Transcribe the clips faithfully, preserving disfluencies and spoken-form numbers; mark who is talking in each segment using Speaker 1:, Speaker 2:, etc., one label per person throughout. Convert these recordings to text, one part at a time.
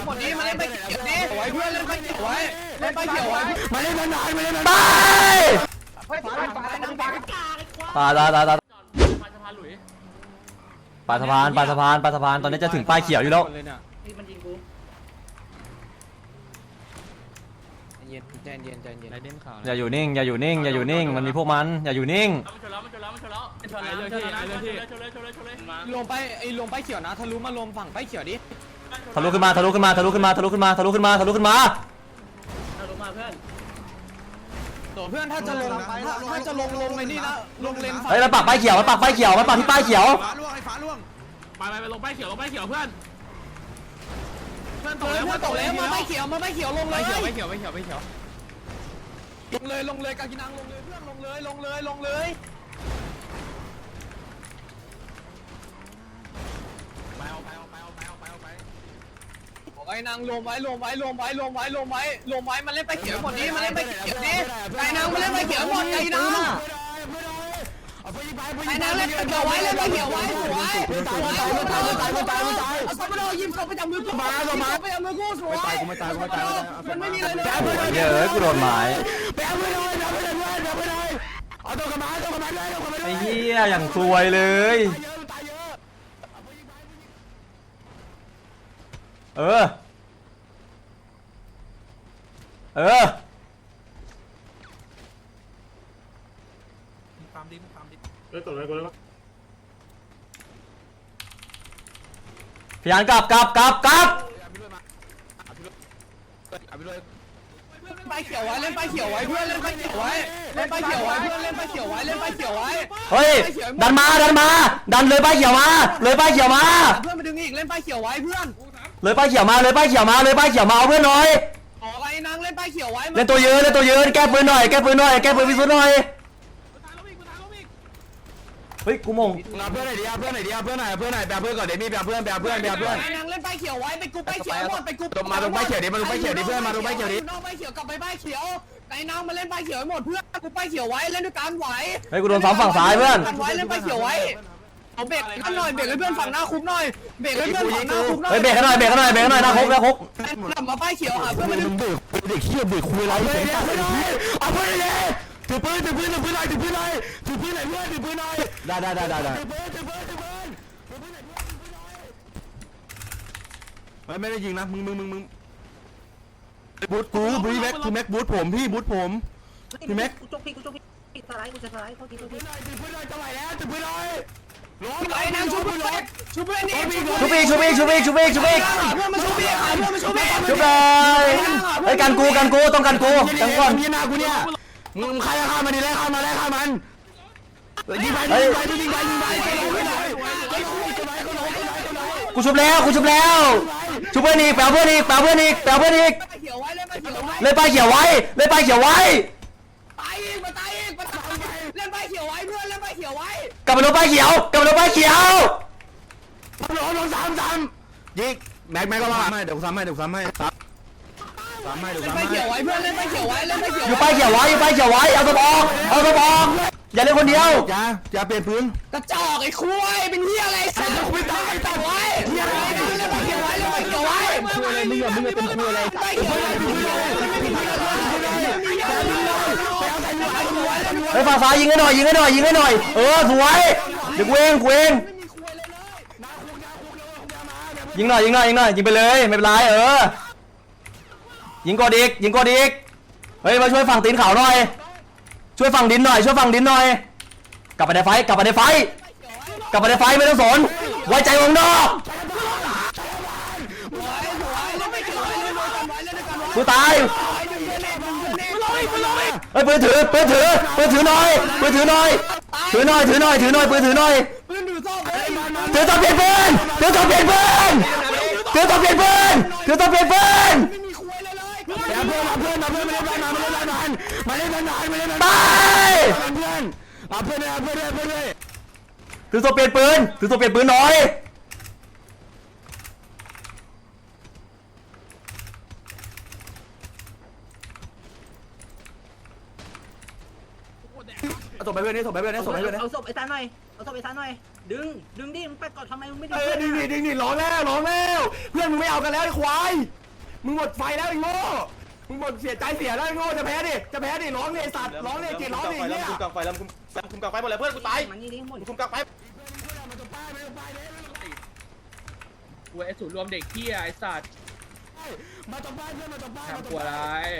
Speaker 1: หมดนี้มาเล่นไปเขียวนี้ไว้เพื่อนเล่นไปเขียวไว้เล่นไปเขียวไว้มาเล่นนานๆมาเล่นนานๆไปปาดาดาดาปาสะพานปาสะพานปาสะพานตอนนี้จะถึงป้ายเขียวอยู่แล้ว
Speaker 2: มันยิงกูเย็นใจเย็นใจเย็นไรเด่นข่าว
Speaker 1: อย่าอยู่นิ่งอย่าอยู่นิ่งอย่าอยู่นิ่งมันมีพวกมันอย่าอยู่นิ่งลงไปไอ้ลงไปเขียวนะทะลุมาลงฝั่งไปเขียวดิทะลุขึ้นมาทะลุขึ้นมาทะลุขึ้นมาทะลุขึ้นมาทะลุขึ้นมาทะลุขึ้นมา
Speaker 2: ทะลุมาเพื่อน
Speaker 1: โดดเพื่อนถ้าจะลงถ้าจะลงลงในนี่นะลงเลนเฮ้ยมันปักป้ายเขียวมันปักป้ายเขียวมันปักที่ป้ายเขียว
Speaker 3: ฟ้าล่วงไอ้ฟ้าล่วง
Speaker 4: ไปไปไปลงป้ายเขียวลงป้ายเขียวเพื่อน
Speaker 1: เพื่อนตกแล้วเพื่อนตกแล้วมาป้ายเขียวมาป้ายเขียวลงเลย
Speaker 4: ป้ายเขียวป้ายเขียวป้ายเขียว
Speaker 1: ลงเลยลงเลยกากินังลงเลยเพื่อนลงเลยลงเลยลงเลย
Speaker 4: ไปเอาไปเอาไปเอาไปเอาไปเอาไป
Speaker 1: ไอ้นางลงไว้ลงไว้ลงไว้ลงไว้ลงไว้ลงไว้มันเล่นไปเขียวหมดนี้มันเล่นไปเขียวนี้ไอ้นางมันเล่นไปเขียวหมดไอ้นางไอ้นางเล่นไปเขียวไว้เล่นไปเขียวไว้สวยสวยตายตายตายตายตายเอาสมโนยิ้มศพไปจับมือกูมามาไปจับมือกูสวยกูไม่ตายกูไม่ตายมันไม่มีอะไรเลยเยอะกูโดนหมายไปเอาไปเลยเอาไปเลยเอาไปเลยเอาตัวกระบาดตัวกระบาดเลยตัวกระบาดไอ้เหี้ยอย่างซวยเลยเออเออ
Speaker 4: ตามดิตามดิ
Speaker 3: เฮ้ยต่อเลยกูเลย
Speaker 1: พยานกลับกลับกลับกลับไปเขียวไว้เล่นไปเขียวไว้เพื่อนเล่นไปเขียวไว้เล่นไปเขียวไว้เพื่อนเล่นไปเขียวไว้เล่นไปเขียวไว้เฮ้ยดันมาดันมาดันเลยไปเขียวมาเลยไปเขียวมาเพื่อนมาดึงอีกเล่นไปเขียวไว้เพื่อนเลยไปเขียวมาเลยไปเขียวมาเลยไปเขียวมาเอาเพื่อนหน่อยอ๋อไอ้นางเล่นไปเขียวไว้เล่นตัวยืนเล่นตัวยืนแก้ปืนหน่อยแก้ปืนหน่อยแก้ปืนพิสูจน์หน่อยเฮ้ยกูมง
Speaker 3: เพื่อนไหนดีเพื่อนไหนดีเพื่อนไหนเพื่อนไหนแบบเพื่อนก่อนเดี๋ยวมีแบบเพื่อนแบบเพื่อนแบบเพื่อน
Speaker 1: ไอ้นางเล่นไปเขียวไว้ไปกูไปเขียวหมดไปกู
Speaker 3: มาตรงไปเขียวดิมาตรงไปเขียวดิเพื่อนมาตรงไปเขียวดิ
Speaker 1: น้องไปเขียวกลับไปไปเขียวไอ้นางมาเล่นไปเขียวหมดเพื่อนกูไปเขียวไว้เล่นด้วยกันไหวเฮ้ยกูโดนซ้ำฝั่งซ้ายเพื่อนกันไว้เล่นไปเขียวไว้เอาเบรกกันหน่อยเบรกให้เพื่อนฝั่งหน้าคุกหน่อยเบรกให้เพื่อนฝั่งหน้าคุกหน่อยเฮ้ยเบรกกันหน่อยเบรกกันหน่อยเบรกกันหน่อยหน้าคุกหน้าคุกกลับมาไปเขียวหาเพื่อนมาดึงเบรกเด็กเขี้ยวเบรกคุยอะไรเสียงตัดเลยเอาเพื่อนเลยถือปืนถือปืนถือปืนหน่อยถือปืนหน่อยถือปืนหน่อยเพื่อนถือปืนหน่อยได้ได้ได้ได้ได้ถือปืนถือปืนถือปืนถือปืนหน่อยเพื่อนถือปืนหน่อย
Speaker 3: ไม่ได้ยิงนะมึงมึงมึงมึงบูทกูพี่แม็กพี่แม็กบูทผมพี่บูทผมพี่แม็ก
Speaker 2: กูจกพี่กูจกพี่สไลด์กูจะสไลด์เขาทีเขาที
Speaker 3: ถือปืนหน่อยจะไหวแล้วถือปืนหน่อย
Speaker 1: ล้มไอ้นางชุบเพื่อนชุบเพื่อนนี่ชุบอีกชุบอีกชุบอีกชุบอีกชุบอีกเพื่อนมาชุบอีกเพื่อนมาชุบอีกชุบเลยไอ้กันกูกันกูต้องกันกูจังก่อน
Speaker 3: พี่นากูเนี่ยมึงใครฆ่ามันดิเลยฆ่ามันเลยฆ่ามันยิงไปยิงไปยิงไปยิงไป
Speaker 1: กูชุบแล้วกูชุบแล้วชุบเพื่อนอีกแปลเพื่อนอีกแปลเพื่อนอีกแปลเพื่อนอีกเล่นไปเขียวไว้เล่นไปเขียวไว้ตายอีกมาตายอีกมาตายเล่นไปเขียวไว้เพื่อนเล่นไปเขียวไว้กลับมาลงไปเขียวกลับมาลงไปเขียว
Speaker 3: ลงลงสามสามยิงแม็กแม็กก็มาไม่เดี๋ยวซ้ำให้เดี๋ยวซ้ำให้ซ้ำซ้ำให้เดี๋ยวซ้ำให้
Speaker 1: เล่นไปเขียวไว้เพื่อนเล่นไปเขียวไว้เล่นไปเขียวอยู่ไปเขียวไว้อยู่ไปเขียวไว้เอาตัวบอกเอาตัวบอกอย่าเล่นคนเดียว
Speaker 3: อย่าอย่าเปลี่ยนปืน
Speaker 1: กระจอกไอ้คุยเป็นเหี้ยอะไรสัตว์คุยตายตัดไว้เหี้ยอะไรเล่นไปเขียวไว้เล่นไปเขียวไว้คุยอะไรมึงอย่ามึงอย่าเป็นคุยอะไรไปเขียวไว้ไปฝ่าฝ่ายิงให้หน่อยยิงให้หน่อยยิงให้หน่อยเออสวยเด็กเวงเวงยิงหน่อยยิงหน่อยยิงหน่อยยิงไปเลยไม่เป็นไรเออยิงกอดอีกยิงกอดอีกเฮ้ยมาช่วยฝั่งตีนเขาหน่อยช่วยฝั่งดินหน่อยช่วยฝั่งดินหน่อยกลับไปในไฟกลับไปในไฟกลับไปในไฟไม่ต้องสนไว้ใจวงนอกกูตายเฮ้ยปืนถือปืนถือปืนถือหน่อยปืนถือหน่อยถือหน่อยถือหน่อยถือหน่อยปืนถือหน่อยถือต้องเปลี่ยนปืนถือต้องเปลี่ยนปืนถือต้องเปลี่ยนปืนถือต้องเปลี่ยนปืนอย่าเพื่อนมาเพื่อนมาเพื่อนมาเล่นนานมาเล่นนานมาเล่นนานมาเล่นนานไปเพื่อนมาเพื่อนเลยเพื่อนเลยเพื่อนเลยถือตัวเปลี่ยนปืนถือตัวเปลี่ยนปืนหน่อย
Speaker 3: ส่งไปเพื่อนนี่ส่งไปเพื่อนนี่ส่งไปเพื่อนนี่
Speaker 5: เอาศพไอ้ตาหน่อยเอาศพไอ้ตาหน่อยดึงดึงดิมึงไปก่อนทำไมมึงไม่ดึ
Speaker 3: เอง อดึงดิดึงดิร้องแล้วร้องแล้วเพื่อนมึงไม่เอากันแล้วไอ้ควายมึงหมดไฟแล้วไอ้โง่มึงหมดเสียใจเสียแล้วไอ้โง่จะแพ้ดิจะแพ้ดิร้องเลยไอ้สัตว์ร้องเลยเกลียดร้องเลยเนี่ย
Speaker 6: คุมกลางไฟแล้วคุมคุมกลางไฟหมดเลยเพื่อนกูตาย
Speaker 5: มันนี่ดิหมด
Speaker 6: คุมกลางไฟ
Speaker 4: กูไอ้สูตรรวมเด็กเที่ยไอ้สัตว์
Speaker 3: มาตบบ้านเพื่อนมาตบบ้าน
Speaker 4: ทำกลัวอะไร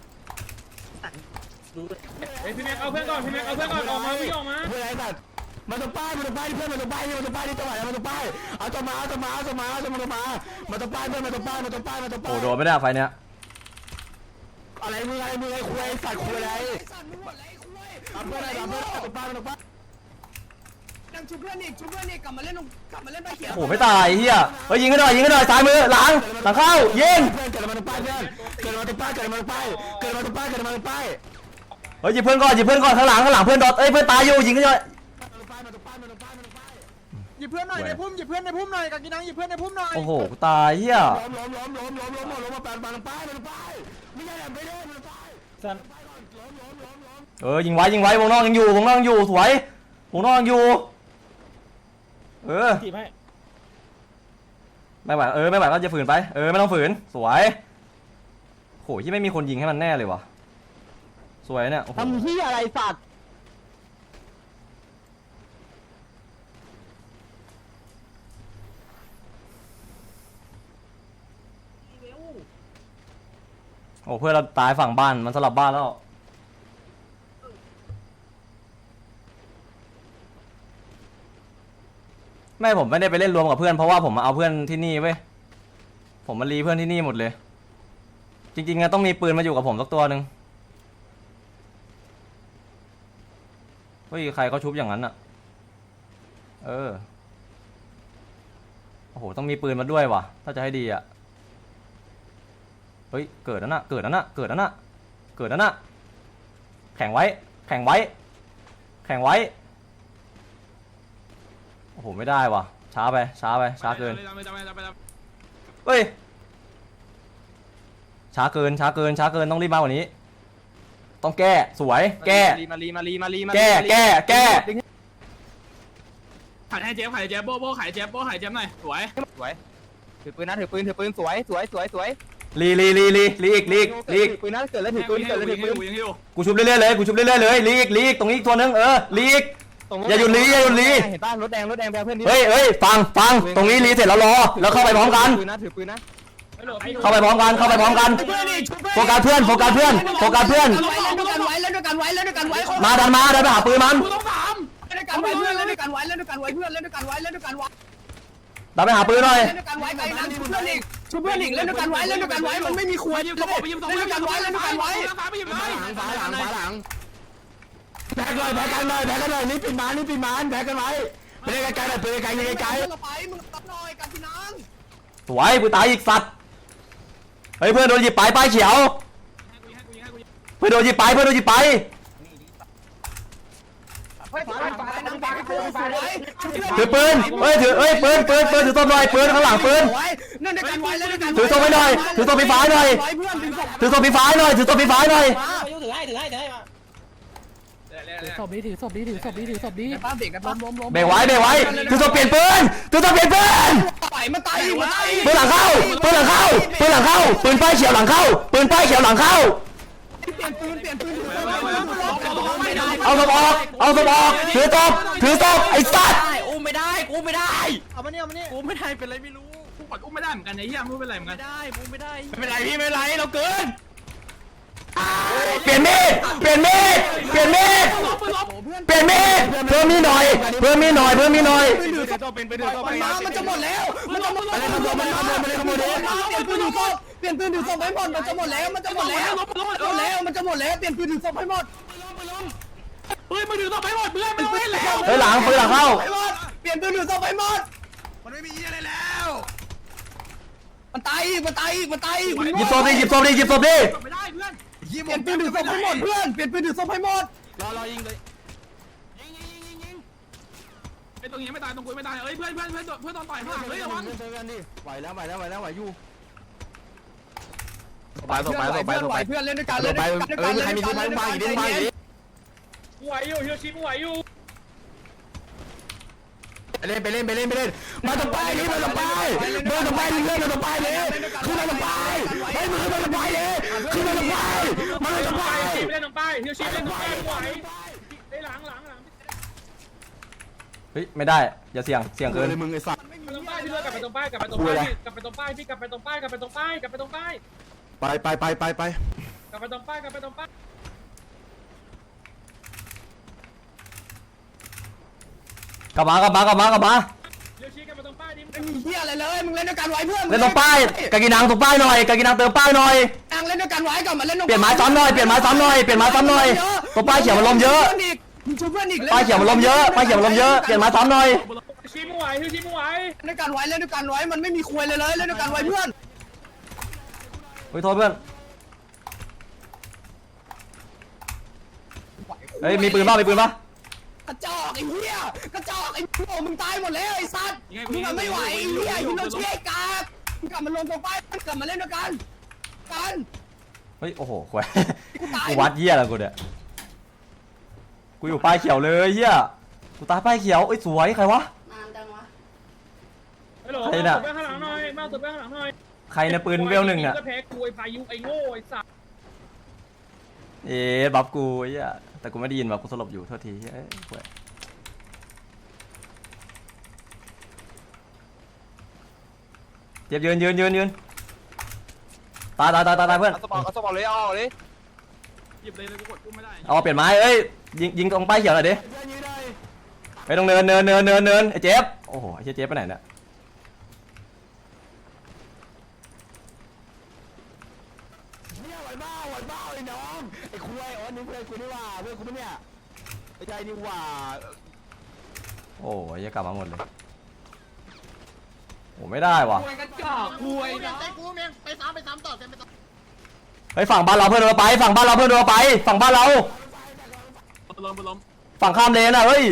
Speaker 5: ดู
Speaker 4: เฮ้ยพี่แม็กเอาเพื่อนก่อนพี่แม็กเอาเพื่อนก่อนออกมาพี่ออกมา
Speaker 3: เพื่อนไอ้สัตว์มาตบบ้านมาตบบ้านเพื่อนมาตบบ้านมาตบบ้านนี่จังหวะมาตบบ้านเอาตบมาเอาตบมาเอาตบมาเอาตบมามาตบบ้านเพื่อนมาตบบ้านมาตบบ้านมาตบบ้าน
Speaker 2: โอ้โดนไม่ได้ไฟเนี้ย
Speaker 3: อะไรมึงอะไรมึงไอ้คุยไอ้สัตว์คุยอะไร
Speaker 1: สัตว์มึงหมดเลยคุย
Speaker 3: ทำเพื่อนอะไรทำเพื่อนตบบ้านตบบ้าน
Speaker 1: ดังชุบเพื่อนอีกชุบเพื่อนอีกกลับมาเล่นกลับมาเล่นไปเขียว
Speaker 2: โอ้โหไม่ตายเฮียเฮ้ยยิงกันหน่อยยิงกันหน่อยซ้ายมือหลังหลังเข้ายิง
Speaker 3: เพื่อนเกิดมาตบบ้านเพื่อนเกิดมาตบบ้านเกิดมาตบบ้านเกิดมาตบบ้านเกิดมาตบบ้าน
Speaker 2: เฮ้ยหยิบเพื่อนก่อนหยิบเพื่อนก่อนข้างหลังข้างหลังเพื่อนดอทเอ้ยเพื่อนตายอยู่ยิงกันหน่อย
Speaker 7: หยิบเพื่อนหน่อยในพุ่มหยิบเพื่อนในพุ่มหน่อยกากินังหยิบเพื่อนในพุ่มหน่อย
Speaker 2: โอ้โหกูตายเฮีย
Speaker 3: ล้มล้มล้มล้มล้มล้มล้มมาแปดมาลงไปมาลงไปไม่ใช่แบบไม่ได้มาลงไปสั่น
Speaker 2: เออยิงไว้ยิงไว้วงนอกยังอยู่วงนอกยังอยู่สวยวงนอกยังอยู่เออไม่ไหวเออไม่ไหวก็จะฝืนไปเออไม่ต้องฝืนสวยโหที่ไม่มีคนยิงให้มันแน่เลยวะสวยเนี่ยโอ้โห
Speaker 7: ทำที่อะไรสัตว์
Speaker 2: โอ้เพื่อนเราตายฝั่งบ้านมันสลับบ้านแล้วไม่ผมไม่ได้ไปเล่นรวมกับเพื่อนเพราะว่าผมมาเอาเพื่อนที่นี่เว้ยผมมารีเพื่อนที่นี่หมดเลยจริงๆอะต้องมีปืนมาอยู่กับผมสักตัวหนึ่งเฮ้ยใครเขาชุบอย่างนั้นอะเออโอ้โหต้องมีปืนมาด้วยว่ะถ้าจะให้ดีอะเฮ้ยเกิดแล้วนะเกิดแล้วนะเกิดแล้วนะเกิดแล้วนะแข่งไว้แข่งไว้แข่งไว้โอ้โหไม่ได้ว่ะช้าไปช้าไปช้าเกินเฮ้ยช้าเกินช้าเกินช้าเกินต้องรีบมากกว่านี้ต้องแก้สวยแก้
Speaker 7: มาลีมาลีมาลีมาลี
Speaker 2: แก้แก้แก้
Speaker 4: ขายให้เจ๊บขายเจ๊บโบโบขายเจ๊บโบขายเจ๊บหน่อยสวย
Speaker 7: สวยถือปืนนะถือปืนถือปืนสวยสวยสวยสวย
Speaker 2: ลีลีลีลีลีอีกลีอีกลีอีก
Speaker 7: ถือปืนนะเกิดแล้วถือปืนเกิดแล้วถือปืน
Speaker 4: ยังอยู่
Speaker 2: กูชุบเรื่อยๆเลยกูชุบเรื่อยๆเลยลีอีกลีอีกตรงนี้อีกตัวนึงเออลีอีกอย่าหยุดลีอย่าหยุดลี
Speaker 7: เห็นป่ะรถแดงรถแดงแพ้เพื่อน
Speaker 2: เฮ้ยเฮ้ยฟังฟังตรงนี้ลีเสร็จแล้วรอแล้วเข้าไปพร้อมกัน
Speaker 7: ปืนนะถือปืนนะ
Speaker 2: เข้าไปพร้อมกันเข้าไปพร้อมกัน
Speaker 1: เพื่อนอีกชุบ
Speaker 2: โฟกัสเพื่อนโฟกัสเพื่อนโฟกัสเพื่อน
Speaker 1: เล่นด้วยกันไว้เล่นด้วยกันไว้เล่นด้วยกันไว้
Speaker 2: มาดันมาดันไปหาปืนมัน
Speaker 4: กูต้องสาม
Speaker 1: เล่นด้วยกันไว้เพื่อนเล่นด้วยกันไว้เล่นด้วยกันไว้เพื่อนเล่นด้วยกันไว้เล่นด้วยกันไว้
Speaker 2: ดันไปหาปืนหน่อย
Speaker 1: เล่นด้วยกันไว้ไอ้นั่นชุบเพื่อนอีกชุบเพื่อนอีกเล่นด้วยกันไว้เล่นด้วยกันไว้มันไม่มีครัว
Speaker 4: ไป
Speaker 1: เล่
Speaker 4: ยิ
Speaker 1: น
Speaker 4: มสองไปยิมสอง
Speaker 1: ด้วยกันไว้เล่นด้วยกันไว้
Speaker 4: สามไปยิมเลย
Speaker 3: ฝาหลังฝาหลังแพ้เลยแพ้กันเลยแพ้กันเลยนี่ปิดมันนี่ปิดมันแพ้กันไว้ไปไกลๆเลยไปไกลๆไกล
Speaker 1: เราไปมึงตัดหน่อยกันพี่น้อง
Speaker 2: สวยกูตายอีกสัตว์เฮ้ยเพื่อนโดนหยิบไปป้ายเขียวเพื่อนโดนหยิบไปเพื่อนโดนหยิบไป ถือปืนเฮ้ยถือเฮ้ยปืนปืนปืนถือตัวหน่อยปืนข้างหลังปืน
Speaker 1: นั่นด้วยกันไว้เล่นด้วยกัน
Speaker 2: ถือตัวไปหน่อยถือตัวปีฟ้าหน่อย
Speaker 1: ไว้เพื่อนดึงศพ
Speaker 2: ถือตัวปีฟ้าหน่อยถือตัวปีฟ้าหน่อย
Speaker 5: ถือให้ถือให้ถือให้มา
Speaker 7: ศพดีถือศพดีถือศพดีถือศพดี
Speaker 1: ป้าเบรกกันล้มล้มล้ม
Speaker 2: เบรกไว้เบรกไว้ถือตัวเปลี่ยนปืนถือตัวเปลี่ยนปืน
Speaker 1: ปล่อยมันตายอยู่มันตาย
Speaker 2: ปืนหลังเข้าปืนหลังเข้าปืนหลังเข้าปืนป้ายเขียวหลังเข้าปืนป้ายเขียวหลังเข้า
Speaker 1: เปลี่ยนปืนเปลี่ยนปืน
Speaker 2: เอาศพออกเอาศพออกถือศพถือศพไอ้สัตว์
Speaker 5: อุ้มไม่ได้อุ้มไม่ได้
Speaker 7: เอามาเนี่ยเอามาเนี่ย
Speaker 4: อุ้มไม่ได้เป็นไรไม่รู้กูกดอุ้มไม่ได้เหมือนกันไอ้เหี้ยมึงเป็นไรเหมือนกัน
Speaker 7: ได้อุ้มไม่ได้
Speaker 3: ๆไม่เป็นไรพี่ไม่เป็นไรเราเกิน
Speaker 2: เปลี่ยนมีดเปลี่ยนมีดเปลี่ยนมีดเปลี่ยนมีดเพิ่มมีดหน่อยเพิ่มมีดหน่อยเพิ่มมีดหน่อย
Speaker 3: เป็นถือตัวเป็นเป็นถือตัว
Speaker 1: มั
Speaker 3: เป็น น
Speaker 1: มามันจะหมดแล้วมันจะหมด
Speaker 3: อะไรขโมยมันขโมยมันขโมยดิ
Speaker 1: เปลี่ยนปืนถือศพเปลี่ยนปืนถือศพให้หมดมันจะหมดแล้วมันจะหมดแล้วหมดแล้วมันจะหมดแล้วเปลี่ยนปืนถือศพให้หมด
Speaker 4: เฮ้ยมึงถือต่อไปหมดเพื่อนไม่ต้องเล่นแล้ว
Speaker 2: เฮ้ยหลังปืนหลังเข้า
Speaker 1: ให้หมดเปลี่ยนปืนถือศพให้หมด
Speaker 3: มันไม่มีอะไรแล้ว
Speaker 1: มันตายอีกมันตายอีกมันตายอีก
Speaker 2: หยิบศพดิหยิบศพดิหยิบศพดิ
Speaker 4: ไม่ได้เพื่อน
Speaker 1: เปลี่ยนปืนถือศพให้หมดเพื่อนเปลี่ยนปืนถือศพให้หมด
Speaker 3: รอรอยิงเลย
Speaker 4: ไอ้ตรงนี้ไม่ตายตรงกูไม่ตายเอ้ยเพื่อนเพื่อนเพื่อนเพื่อนตอนต่อยข้างหลังเฮ้ยระวัง
Speaker 3: เจอกันดิไหวแล้วไหวแล้วไหวแล้วไหวอยู่
Speaker 1: ไปเพื่อนไปเพื่อนไปเพื่อนเล่นด้วยกันเล่นด้วยกันเล่นด้วยกันเล่นด้วยกัน
Speaker 4: ไหวอยู่ฮิโรชิมไหวอยู่
Speaker 3: เล่นไปเล่นไปเล่นไปเล่นมาตรงไปนี่มาตรงไปมาตรงไปนี่เล่นมาตรงไปเลยขึ้นมาตรงไปเฮ้ยมึงขึ้นมาตรงไปเลยขึ้นมาตรงไปมาตรงไป
Speaker 4: ไปเล่นตรงป้ายเฮียชีเล่นตรงป้ายไหวไอ้หลังหลังหลัง
Speaker 2: เฮ้ยไม่ได้อย่าเสี่ยงเสี่ยงเกิน
Speaker 3: เลยมึงไอ้สัตว์
Speaker 4: ไปตรงป้ายพี่เลือกกลับไปตรงป้ายกลับไปตรงป้ายกลับไปตรงป้ายพี่กลับไปตรงป้ายกลับไปตรงป้ายกลับไปตรงป้าย
Speaker 3: ไปไปไปไปไป
Speaker 4: กลับไปตรงป้ายกลับไปตรงป้าย
Speaker 2: กลับมากลับมากลับมากลับมา
Speaker 4: เฮียชีกลับไปตรงป้ายดิ
Speaker 1: ไม่มีเหี้ยอะไรเลยมึงเล่นด้วยกันไว้เพื่อน
Speaker 2: เล่นตรงป้ายกากินังตรงป้ายหน่อยกากินังเติมป้ายหน่อย
Speaker 1: นางเล่นด้วยกันไว้ก่อนมาเล่น
Speaker 2: เปลี่ยนไม้ซ้ำหน่อยเปลี่ยนไม้ซ้ำหน่อยเปลี่ยนไม้ซ้ำหน่อยตรงป้ายเขียวมันลมเยอะ
Speaker 1: มึงช่วยเพื่อนอีก
Speaker 2: ป้ายเขียวมันลมเยอะป้ายเขียวมันลมเยอะเปลี่ยนไม้ซ้ำหน่อย
Speaker 4: ชีไม่ไหวเฮียชีไม่ไหว
Speaker 1: เล่นด้วยกันไว้เล่นด้วยกันไว้มันไม่มีควยเลยเลยเล่นด้วยกันไว้เพื่อน
Speaker 2: เฮ้ยโทษเพื่อนเฮ้ยมีปืนป่ะมีปืนป่ะ
Speaker 1: กระจอกไอ้เหี้ยกระจอกไอ้โง่มึงตายหมดแล้วไอ้สัตว์มึงไม่ไหวไอ้เหี้ยฮิโรชิไอ้กากมึงกลับมาลงตรงป้ายกลับมาเล่นด้วยกันกัน
Speaker 2: เฮ้ยโอ้โหควายกูวัดเหี้ยแล้วกูเนี่ยกูอยู่ป้ายเขียวเลยเหี้ยกูตายป้ายเขียวเอ้ยสวยใครวะ
Speaker 8: นานจังวะ
Speaker 4: ฮัลโหลมาตัวไปข้างหลังหน่อยมาตัวไปข้างหลังหน่อย
Speaker 2: ใครในปืนเวลหนึ่งอ่ะ
Speaker 4: ก็แพ้กูไอ้พายุไอ้โง่ไอ้สัตว์
Speaker 2: เอ๊ะบัฟกูไอ้เหี้ยแต่กูไม่ได้ยินบัฟกูสลบอยู่โทษทีเอ้ยควายเจ็บยืนยืนยืนยืนตายตายตายตายตายเพื่อน
Speaker 6: สปอร์ตสปอร์ตเลยเอาเลย
Speaker 4: หยิบเลยเลยกูกดกูไม่ได้
Speaker 2: เอาเปลี่ยนไม้เอ้ยยิงยิงตรงป้ายเขียวหน่อยดิไปตรงเนินเนินเนินเนินเนินไอ้เจ๊บโอ้โหไอ้เจ๊บไปไหนเนี่ย
Speaker 3: เนี่ยไหวบ้าไหวบ้าไอ้น้องไอ้คุยอ๋อนี่เพื่อนกูนี่ว่าเพื่อนกูเนี่ยไอ้ใจนี่ว่า
Speaker 2: โอ้ยยังกลับมาหมดเลยโอ้ไม่ได้ว่ะ
Speaker 1: กระจอกควย
Speaker 7: ใจกูเมียงไปซ้ำไปซ้ำต่อเต็มไปต่อ
Speaker 2: เฮ้ยฝั่งบ้านเราเพื่อนเราไปฝั่งบ้านเราเพื่อนเราไปฝั่งบ้านเรา
Speaker 4: ล้มล้ม
Speaker 2: ฝั่งข้ามเลนอ่ะเฮ้ย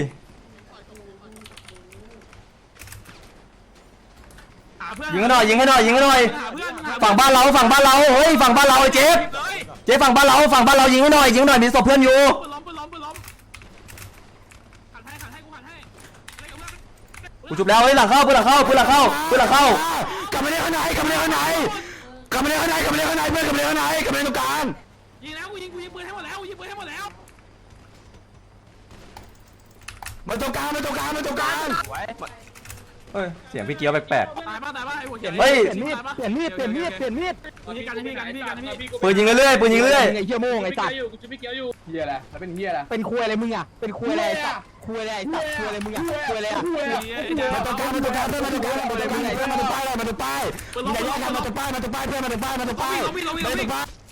Speaker 4: หาเพื่อน
Speaker 2: ยิงให้หน่อยยิงให้หน่อยยิงให้หน่อย
Speaker 4: หาเพื่อน
Speaker 2: ฝั่งบ้านเราฝั่งบ้านเราเฮ้ยฝั่งบ้านเราไอ้เจ๊บเจ๊ฝั่งบ้านเราฝั่งบ้านเรายิงให้หน่อยยิงให้หน่อยมีศพเพื่อนอยู่
Speaker 4: ปืนล้มปืนล้มปืนล้มขัดให้ขัดให้กูขัดให้
Speaker 2: กูจุบแล้วเฮ้ยหลังเข้าปืนหลังเข้าปืนหลังเข้าปืนหลังเข้าก
Speaker 3: ลับมาเล่นข้างในกลับมาเล่นข้างในกลับมาเล่นข้างในกลับมาเล่นข้างในเพื่อนกลับมาเล่นข้างในกลับมาเล่นตรงกลาง
Speaker 4: ยิงแล้วกูยิงกูยิงปืนให้หมดแล้วกูยิงปืนให้หมดแล้ว
Speaker 3: มาตรงกลางมาตรงกลางมาตรงกลาง
Speaker 2: เฮ้ยเสียงพี่เกียวแปลก
Speaker 4: ตายป่ะตายป่ะไอ้หัวเขียว
Speaker 2: เฮ้ย
Speaker 7: เปลี่ยนมีดเปลี่ยนมีดเปลี่ยนมีดเปลี่ยนมีด
Speaker 4: พี่กันพี่กันพี่กันพี่
Speaker 2: ๆปืนยิงเรื่อยๆปืนยิงเรื่อย
Speaker 7: ไอ้เหี้ยโม่งไอ้สัตว์
Speaker 4: อยู่กูจะพี่เกียวอยู่
Speaker 1: เหี้ยอะไรแล้วเป็นเหี้ยอะไร
Speaker 7: เป็นคุยอะไรมึงอ่ะเป็นคุยอะไรไอ้สัตว์คุยอะไรไอ้สัตว์คุยอะไรมึงอ่ะคุยอะไรอ่ะ
Speaker 3: มาตรงกลางมาตรงกลางเพื่อนมาตรงกลางมาตรงกลางเพื่อนมาตรงป้ายมาตรงป้ายอย่าแยกกันมาตรงป้ายมาตรงป้ายเพื่อนมาตรงป้ายมาตรงป้ายมาตรงป้าย
Speaker 4: ล้มวิ่ง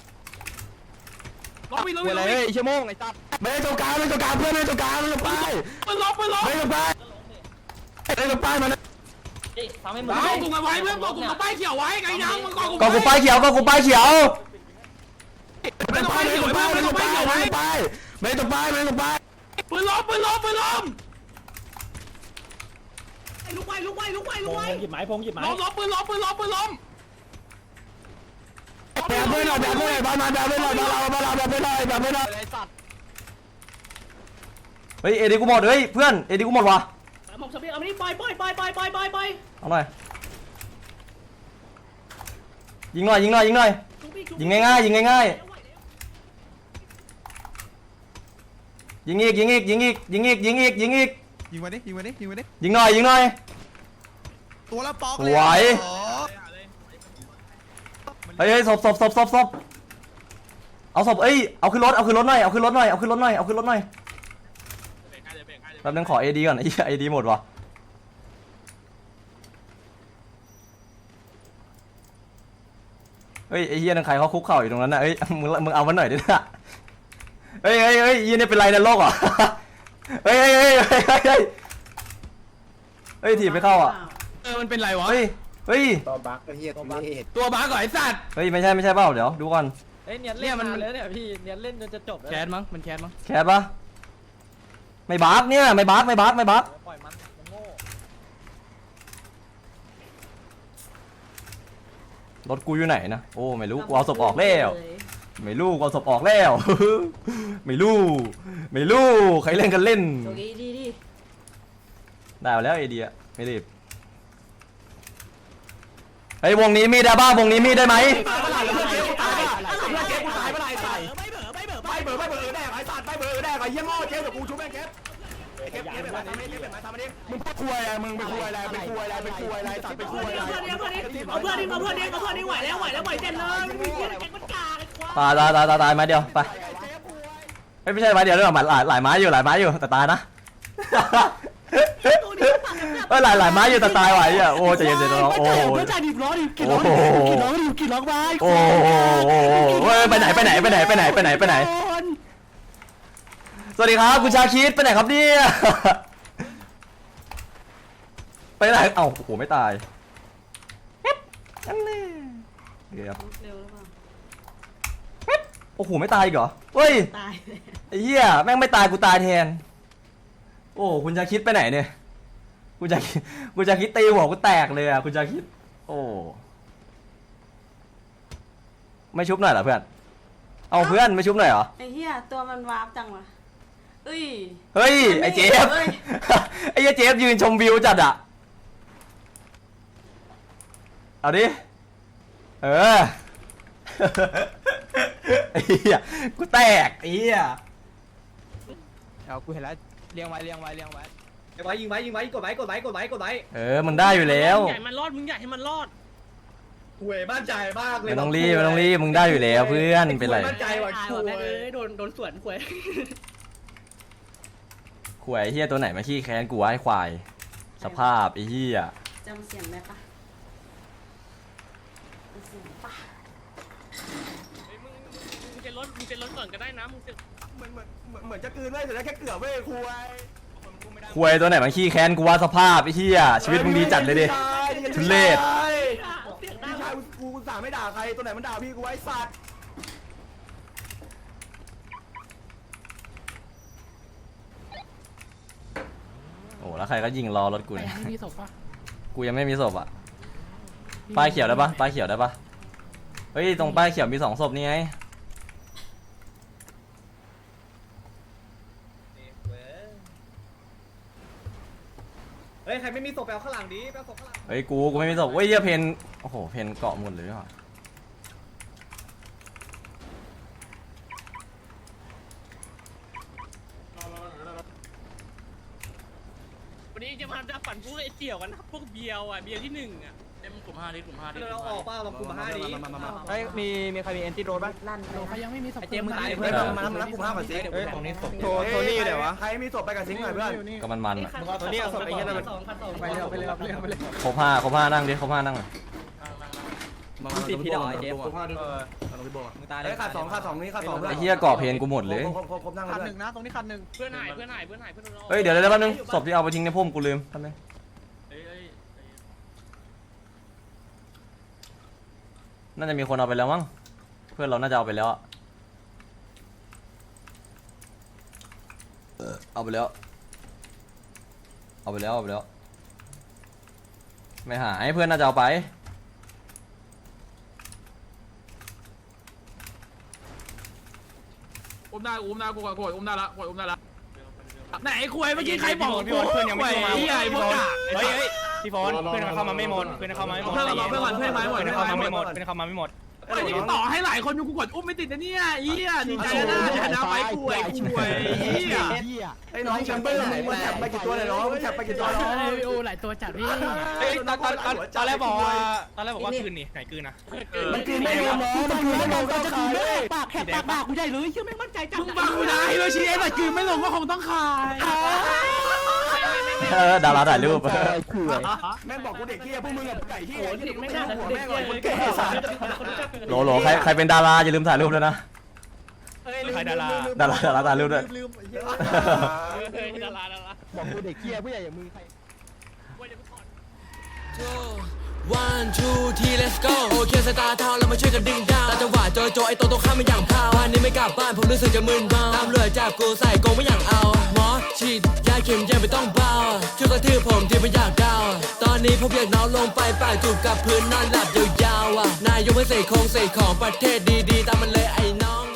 Speaker 4: ล้ม
Speaker 7: คุย
Speaker 4: วิ่ง
Speaker 7: อะไรเฮ้ยไอ้เหี้ยโม่งไอ้สัตว์
Speaker 3: ไม่ตรงกลางไม่ตรงกลางเพื่อนไม่ตรงกลางมาตรงป้าย
Speaker 4: ปืนล้มปืนล้ม
Speaker 3: ไม่ตรงป้ายไม่ตรงป้ายมา
Speaker 5: ทำให้มึง
Speaker 4: เอากลุ่มกันไว้เพื่อนบอกกลุ่มกับป้ายเขียวไว้ไงยังมึงก่อกลุ่ม
Speaker 2: ๆก็กูป้ายเขียวก็กูป้ายเขียว
Speaker 3: ไม่ตรงป้ายไม่ตรงป้ายไม่ตรงป้ายไม่ตรงป้ายไม่ตรงป้ายไม่ตรงป้าย
Speaker 4: ปืนล้มปืนล้มปืนล้ม
Speaker 5: ลุกไว้ลุกไว้ลุกไว้ลุกไว้
Speaker 6: หยิบไม้พงหยิบไม้
Speaker 4: ล้มล้มปืนล้มปืนล้มปืนล้ม
Speaker 3: แบบเพื่อนหน่อยแบบเพื่อนหน่อยบ้านมาแบบเพื่อนหน่อยบ้านเราบ้านเราแบบเพื่อนหน่อยแบบเพื่อนหน่อย
Speaker 7: ไอ้สัตว์
Speaker 2: เฮ้ยเอดีกูหมดเฮ้ยเพื่อนเอดีกูหมดว่ะ
Speaker 5: หมกสเปียร์เอามานี่ปล่อยปล่อยปล่อยปล่อยปล่อยปล่อยปล่อย
Speaker 2: เอาหน่อยยิงหน่อยยิงหน่อยยิงหน่อยยิงง่ายๆยิงง่ายๆยิงอีกยิงอีกยิงอีกยิงอีกยิงอีกยิงอีก
Speaker 7: ยิงมาดิยิงมาดิยิงมาดิ
Speaker 2: ยิงหน่อยยิงหน่อย
Speaker 7: ตัวละปอก
Speaker 2: สวยเฮ้ยเฮ้ยศพศพศพศพศพเอาศพเอ้ยเอาขึ้นรถเอาขึ้นรถหน่อยเอาขึ้นรถหน่อยเอาขึ้นรถหน่อยเอาขึ้นรถหน่อยแป๊บนึงขอเอดีก่อนไอ้เอดีหมดว่ะเฮ้ยไอ้เฮียนั่นใครเขาคุกเข่าอยู่ตรงนั้นน่ะเอ้ยมึงมึงเอามันหน่อยดินะเฮ้ยเฮ้ยเฮ้ยยี่นี่เป็นไรในโลกเหรอเฮ้ยเฮ้ยเฮ้ยเฮ้ยเฮ้ยเฮ้ยถีบไม่เข้าอ่ะ
Speaker 1: เออมันเป็นไรวะ
Speaker 2: เฮ้ยเฮ้ย
Speaker 3: ตัวบักไอ้เหี้ยตัวบัก
Speaker 1: ตัวบ้าก่อนไอ้สัตว์
Speaker 2: เฮ้ยไม่ใช่ไม่ใช่เปล่าเดี๋ยวดูก่อน
Speaker 5: เฮ้ยเนี่ยเล่นมันเลยเนี่ยพี่เนี่ยเล่นจนจะจบแล้ว
Speaker 1: แคสมั้งมันแคสมั้ง
Speaker 2: แคสปะไม่บาร์กเนี่ยไม่บาร์กไม่บาร์กไม่บาร์ก
Speaker 5: ปล่อยมันมันโง่
Speaker 2: รถกูอยู่ไหนนะโอ้ไม่รู้กูเอาศพออกแล้วไม่รู้กูเอาศพออกแล้วไม่รู้ไม่รู้ใครเล่นกันเล่น
Speaker 5: โชคดีดีดี
Speaker 2: ได้มาแล้วไอเดียไม่รีบไอ้ยวงนี้มีได้บ้างวงนี้มีได้ไหม
Speaker 3: ตายเมื่อไหร่แล้วเพื่อนเจ๊กูตายเพื่อนเจ๊กูตายเมื่อไหร่ใส่ไม่เบื่อไม่เบื่อไม่เบื่อไม่เบื่อแดกไอ้สัตว์ไม่เบื่อแดกไอ้เหี้ยโง่เจ๊เดี๋ยวกูชุบแม่งเจ๊เก็บเก็บแบบทำนี้เก็บแบบทำนี้มึงพูดคุยอะไรมึงเป็นคุยอะไรเป็นคุยอะไรเป็นคุยอะไรสัตว์เป็นคุยอะไร
Speaker 5: เอาเพื่อนดิเอาเพื่อนดิเอาเพื่อนดิไหวแล้วไหวแล้วไหวเต็มเลยมึงเหี้ยแกงมันกาไอ้ควาย
Speaker 2: ตายตายตายตายตายไม้เดียวไปไม่ใช่ไม้เดียวด้วยหรอหลายหลายไม้อยู่หลายไม้อยู่แต่ตายนะเออหลายหลายไม้อยู่แต่ตายไหวอ่ะโอ้ใจเย็นๆน้องโอ้โห
Speaker 7: จ่ายดิบล้อดิกี่
Speaker 2: โอ้
Speaker 7: ล้อ
Speaker 2: โห
Speaker 7: ดิกี่ล้อดิกี่ล้อไป
Speaker 2: โอ้โหเฮ้ยไปไหนไปไหนไปไหนไปไหนไปไหนไปไหนสวัสดีครับคุณชาคิดไปไหนครับเนี่ยไปไหนเอ้าโอ้โหไม่ตายอันนี้เดี๋ยวโอ้โหไม่ตายอีกเหรอเฮ้ย
Speaker 5: ตาย
Speaker 2: ไอ้เหี้ยแม่งไม่ตายกูตายแทนโอ้คุณชาคิดไปไหนเนี่ยคุณชาคิดคุณชาคิดตีหัวกูแตกเลยอ่ะคุณชาคิดโอ้ไม่ชุบหน่อยเหรอเพื่อนเอาเพื่อนไม่ชุบหน่อยเหรอ
Speaker 8: ไอ้เหี้ยตัวมันวาร์ปจังวะเอ้ย
Speaker 2: เฮ้ยไอ้เจฟ
Speaker 8: เฮ้ย
Speaker 2: ไอ้เหี้ยเจฟยืนชมวิวจัดอ่ะเอาดิเออไอ้เหี้ยกูแตกไอ้เหี้ย
Speaker 7: เอากูเห็นแล้วเลี้ยงไว้เลี้ยงไว้เลี้ยงไว้
Speaker 6: ไว้ยิงไว้ยิงไว้กดไว้กดไว้กดไว้กดไว้
Speaker 2: เออมึงได้อยู่แล้ว
Speaker 4: ใหญ่มันรอดมึงอยากให้มันรอด
Speaker 6: หวยมั่นใจมากเลย
Speaker 2: ไม่ต้องรีบไม่ต้องรีบมึงได้อยู่แล้วเพื่อนเป็นไร
Speaker 6: มั่นใจว่ะ
Speaker 5: ตาย
Speaker 6: ห
Speaker 5: ว่ะ
Speaker 6: ว
Speaker 5: แม่
Speaker 6: ย
Speaker 5: เอ้ยโดนโดนสวนควย
Speaker 2: ขวยไอ้เหี้ยตัวไหนมาขี้แค้นกูวะไอ้ควายสภาพไอ้เหี้ย
Speaker 8: จำเสียงได้ปะจำเสียงปะ
Speaker 4: มึงมึงจะลดมึงจะลดก่อนก็ได้นะมึงจะ
Speaker 3: เหมือนเหมือนเหมือนจะคืนเว้ยแต่แค่เกือบเว้ยคุย
Speaker 2: ขวยตัวไหนมาขี้แค้นกูวะสภาพไอ้เหี้ยชีวิตมึงดีจัดเลยดิ ทุเรศ
Speaker 3: พี่ชายกูกูสั่งไม่ด่าใครตัวไหนมันด่าพี่กูไว้สัตว์
Speaker 2: โอ้แล้วใครก็ยิงรอรถกูเนี่ย
Speaker 7: มีศพปะ
Speaker 2: กูยังไม่มีศพอ่ะป้ายเขียวได้ปะป้ายเขียวได้ปะเฮ้ยตรงป้ายเขียวมีสองศพนี่ไง
Speaker 6: เฮ้ยใครไม่มีศพแปลข้างหลังดิแปลศพข้างหลัง
Speaker 2: เฮ้ยกูกูไม่มีศพเฮ้ยเหี้ยเพนโอ้โหเพนเกาะหมดเลยว่ะ
Speaker 4: วันนี้จะมาจะฝันพวกไอ้เสี่ยวกันนะพวกเบียวอ่ะเบียวที่หนึ่งอ่ะเต็มกลุ่มห้าดิกลุ่มห้าดิ
Speaker 6: เราออกเปล่าเรากลุ่มห้าดิ
Speaker 7: เฮ้ยมีมีใครมีแอนตี้โรดบ้าง
Speaker 8: ลั่น
Speaker 7: โอ้ใครยังไม่มีศพ
Speaker 3: เจมมึงตายเพื่อนมามารับกูห้าก่อนสิ
Speaker 7: เฮ้ยตรงนี้ศพ
Speaker 3: โทโทนี่อยู่ไหนวะใครมีศพไปกับซิงค์หน่อยเพื่อน
Speaker 2: ก็มันมันๆอะ
Speaker 3: ตัวนี้เอาศพไปเงี้ยนะมัน
Speaker 5: สองพันสอง
Speaker 7: ไปเร็วไปเร็วไปเร็วไปเร็ว
Speaker 2: ครบห้าครบห้านั่งดิครบห้านั่งหน่อย
Speaker 3: ติดพี่ดอยเจมกูห้าด้วยมึงตายเลยขาดสองขาดสองนี่ขาดสองเพื่อน
Speaker 2: ไอ้เหี้ยเกาะเพนกูหมดเลย
Speaker 3: ครบครบครบนั่ง
Speaker 7: คัน
Speaker 3: เล
Speaker 7: ห
Speaker 3: ย
Speaker 7: นึ่งนะตรงนี้คันหนึ่ง
Speaker 4: เพื่อนหายเพื่อนหายเพื่อนหายเพื่อนเรา
Speaker 2: เฮ้ยเดี๋ยวเดี๋ยวแป๊บนึงศพที่เอาไปทิ้งในพุ่มกูลืมแป๊บนึง
Speaker 4: เฮ้ยเฮ้ย
Speaker 2: น่าจะมีคนเอาไปแล้วมั้งเพื่อนเราน่าจะเอาไปแล้วอะเออเอาไปแล้วเอาไปแล้วเอาไปแล้วไม่หายเพื่อนน่าจะเอาไป
Speaker 9: อุ้มได้อุ้มได้กูก่อนกูอุ้มได้ละกูอุ้มได้ละไหนไอ้คุยเมื่อกี้ใครบอกกูเพื่อนยังไม่มาที่ไอ้พวกกาเฮ้ยเฮ้ยพี่ฟอนเพื่อนเข้ามาไม่หมดเพื่อนเข้ามาไม่หมดเพื่อนเข้ามาเพื่อนเพื่อนมาไม่หมดเพื่อนเข้ามาไม่หมดเพื่อนเข้ามาไม่หมดไอ้ที่ต่อให้หลายคนอยู่กูกดอุ้มไม่ติดนะเนี่ยเหี้ยดีใจนะชนะไปคุยคุยเหี้ย
Speaker 3: ไอ้น้องแชมเปอร์มึงมันแถบไปกี่ตัวเลยน้องมันแถบไปกี่ตัวน้อง
Speaker 7: โอ้หลายตัวจัดพี่
Speaker 9: เฮ้ยตอนตอนตอนแรกบอกว่าตอนแรกบอกว่าคืนนี่ไหนคืนนะ
Speaker 3: มันกินไม่ลงน้องมันกินไม่ลงก็ขายเลย
Speaker 7: ปากแหกปากปากกูใหญ่เลยเชื่อไม่มั่นใจจัง
Speaker 9: มึงบังกูได้เลยชี้ไอ้แต่คืนไม่ลงก็คงต้องขาย
Speaker 2: เออดาราถ่ายรูป
Speaker 3: แม่บอกกูเด็กที่พวกมึงกับไก่ที่
Speaker 5: โอ้ยเด็กไม่น่า
Speaker 3: หัว
Speaker 5: เด็
Speaker 3: แม่
Speaker 5: ก
Speaker 3: ก่อน
Speaker 5: เด็
Speaker 3: คน
Speaker 5: ก
Speaker 3: แก่สัตว์
Speaker 2: โหลโหลใครใครเป็นดาราอย่าลืมถ่ายรูปด้วยนะ
Speaker 9: ใครดารา
Speaker 2: ดาราดาราถ่ายรูปด้วย
Speaker 7: ลืม
Speaker 4: เฮ้ยดาราดารา
Speaker 7: บอกกูเด็กเกี้ยผู้ใหญ่อย่างมึงใคร
Speaker 10: one two three let's go โอเคสตาร์ทาวเรามาช่วยกันดึงดาวตาจังหวะโจโจไอตัวตรงข้ามไม่อย่างพาววันนี้ไม่กลับบ้านผมรู้สึกจะมึนเมาตามเรือจับกูใส่กรงไม่อย่างเอาหมอฉีดยาเข็มยังไม่ต้องเบาช่วยกระทืบผมที่ไม่อยากดาวตอนนี้ผมอยากนอนลงไปปากจูบกับพื้นนอนหลับยาวๆอ่ะนายยกไม่ใส่โครงใส่ของประเทศดีๆตามมันเลยไอ้น้อง